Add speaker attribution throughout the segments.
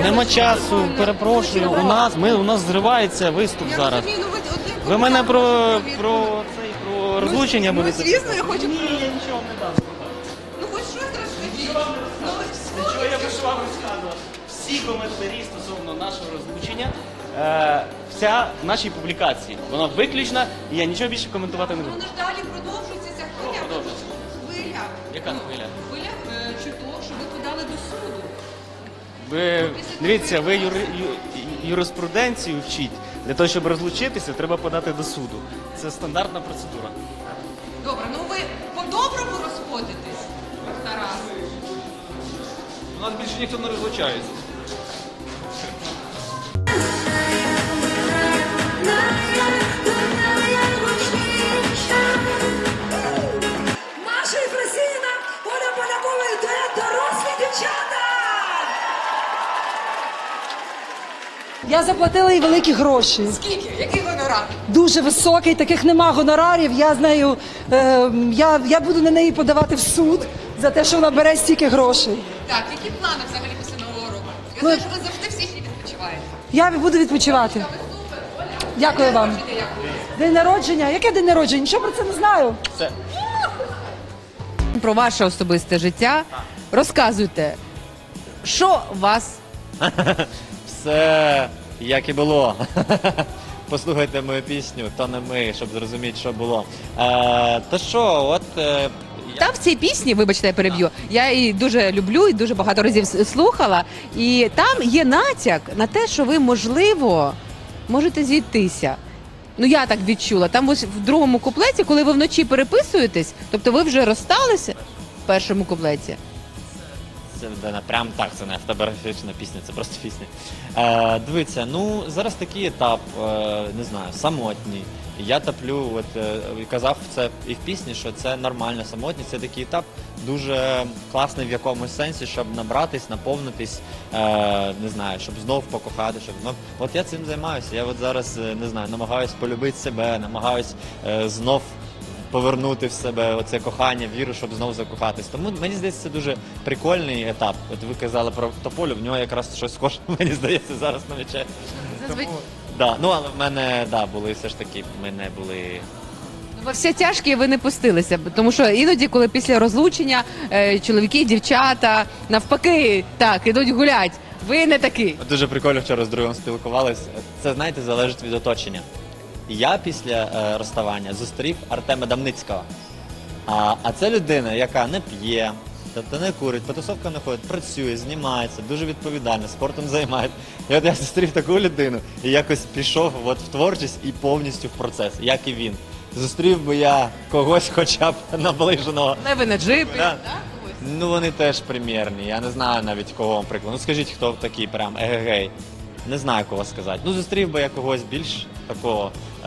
Speaker 1: Нема часу, перепрошую. У нас зривається виступ зараз. Ви мене про розлучення будете?
Speaker 2: Звісно, я хочу.
Speaker 1: Ні, я нічого не дам.
Speaker 2: Ну хоч щось розкажіть.
Speaker 1: Нічого я би вам розказував. Всі коментарі стосовно нашого розлучення, вся в нашій публікації. Вона виключна, і я нічого більше коментувати не буду.
Speaker 2: Воно ж далі продовжується ця хвиля.
Speaker 1: Продовжується?
Speaker 2: Хвиля.
Speaker 1: Яка хвиля?
Speaker 2: Хвиля чуток, що ви подали до суду.
Speaker 1: Ви дивіться, ви юриспруденцію вчіть. Для того, щоб розлучитися, треба подати до суду. Це стандартна процедура.
Speaker 2: Добре, ну ви по-доброму розходитесь, Тарас?
Speaker 1: У нас більше ніхто не розлучається.
Speaker 3: Маша Єфросініна, Оля Полякова йде дорослі дівчата! Я заплатила їй великі гроші.
Speaker 2: Скільки? Який гонорар?
Speaker 3: Дуже високий, таких нема гонорарів. Я з нею, я буду на неї подавати в суд за те, що вона бере стільки грошей.
Speaker 2: Так, які плани взагалі після Нового року? Я
Speaker 3: Ну,
Speaker 2: знаю, що ви завжди в січні відпочиваєте.
Speaker 3: Я буду відпочивати. Дякую вам. День народження? Яке день народження? Нічого про це не знаю.
Speaker 1: Це
Speaker 4: Про ваше особисте життя. Розказуйте, що вас
Speaker 5: Все як і було. Послухайте мою пісню, то не ми, щоб зрозуміти, що було. То що, от
Speaker 4: там в цій пісні, вибачте, я переб'ю, я її дуже люблю і дуже багато разів слухала. І там є натяк на те, що ви, можливо, можете зійтися. Ну, я так відчула. Там ось в другому куплеті, коли ви вночі переписуєтесь, тобто ви вже розсталися в першому куплеті.
Speaker 5: це прям так, це не автобіографічна пісня, це просто пісня. Дивіться, ну зараз такий етап, не знаю, самотній. Я топлю, от казав це і в пісні, що це нормально, самотність, це такий етап дуже класний в якомусь сенсі, щоб набратись, наповнитись, не знаю, щоб знов покохати, щоб знов. От я цим займаюся. Я от зараз не знаю, намагаюсь полюбити себе, намагаюсь знов повернути в себе оце кохання, віру, щоб знову закохатись. Тому мені здається, це дуже прикольний етап. От ви казали про Тополю, в нього якраз щось схоже, мені здається, зараз намічає. Да, ну але в мене були все ж таки, ми не були.
Speaker 4: Во все тяжкі ви не пустилися, тому що іноді, коли після розлучення чоловіки, дівчата, навпаки, так, ідуть гулять. Ви не такі.
Speaker 5: Дуже прикольно вчора з другом спілкувалися. Це, знаєте, залежить від оточення. Я після розставання зустрів Артема Дамницького. А це людина, яка не п'є, тобто не курить, по тусовкам не ходить, працює, знімається, дуже відповідально, спортом займається. І от я зустрів таку людину і якось пішов от в творчість і повністю в процес, як і він. Зустрів би я когось хоча б наближеного.
Speaker 4: Леви на джипі.
Speaker 5: Да. Ну вони теж прем'єрні, я не знаю навіть кого вам приклад. Ну скажіть, хто такий прям егегей. Не знаю, кого сказати. Ну зустрів би я когось більш такого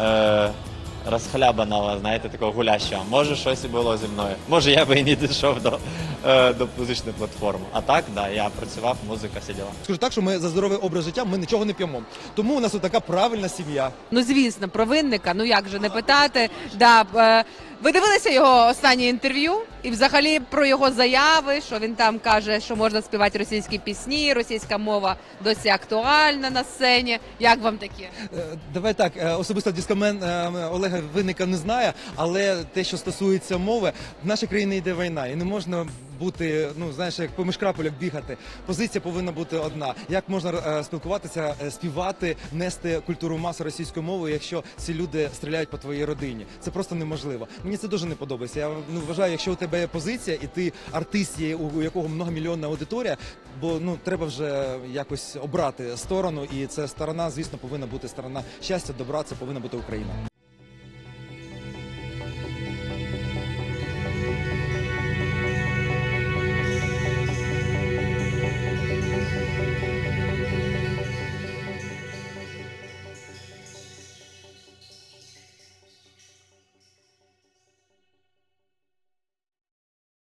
Speaker 5: розхлябаного, знаєте, такого гулящого. Може, щось і було зі мною. Може, я би і не дійшов до музичної платформи. А так, да, я працював, музика, всі діла.
Speaker 6: Скажу так, що ми за здоровий образ життя, ми нічого не п'ємо. Тому у нас така правильна сім'я.
Speaker 4: Ну, звісно, про Винника, ну як же не питати. Да, ви дивилися його останнє інтерв'ю? І взагалі про його заяви, що він там каже, що можна співати російські пісні, російська мова досі актуальна на сцені. Як вам таке?
Speaker 6: Давай так, особисто дискомен Олега Винника не знає, але те, що стосується мови, в нашій країні йде війна, і не можна бути, ну знаєш, як по мишкрапелях бігати. Позиція повинна бути одна. Як можна спілкуватися, співати, нести культуру маси російською мовою, якщо ці люди стріляють по твоїй родині? Це просто неможливо. Мені це дуже не подобається. Я вважаю, якщо у тебе є позиція, і ти артист є, у якого многомільйонна аудиторія, бо треба вже якось обрати сторону, і ця сторона, звісно, повинна бути сторона щастя, добра, це повинна бути Україна.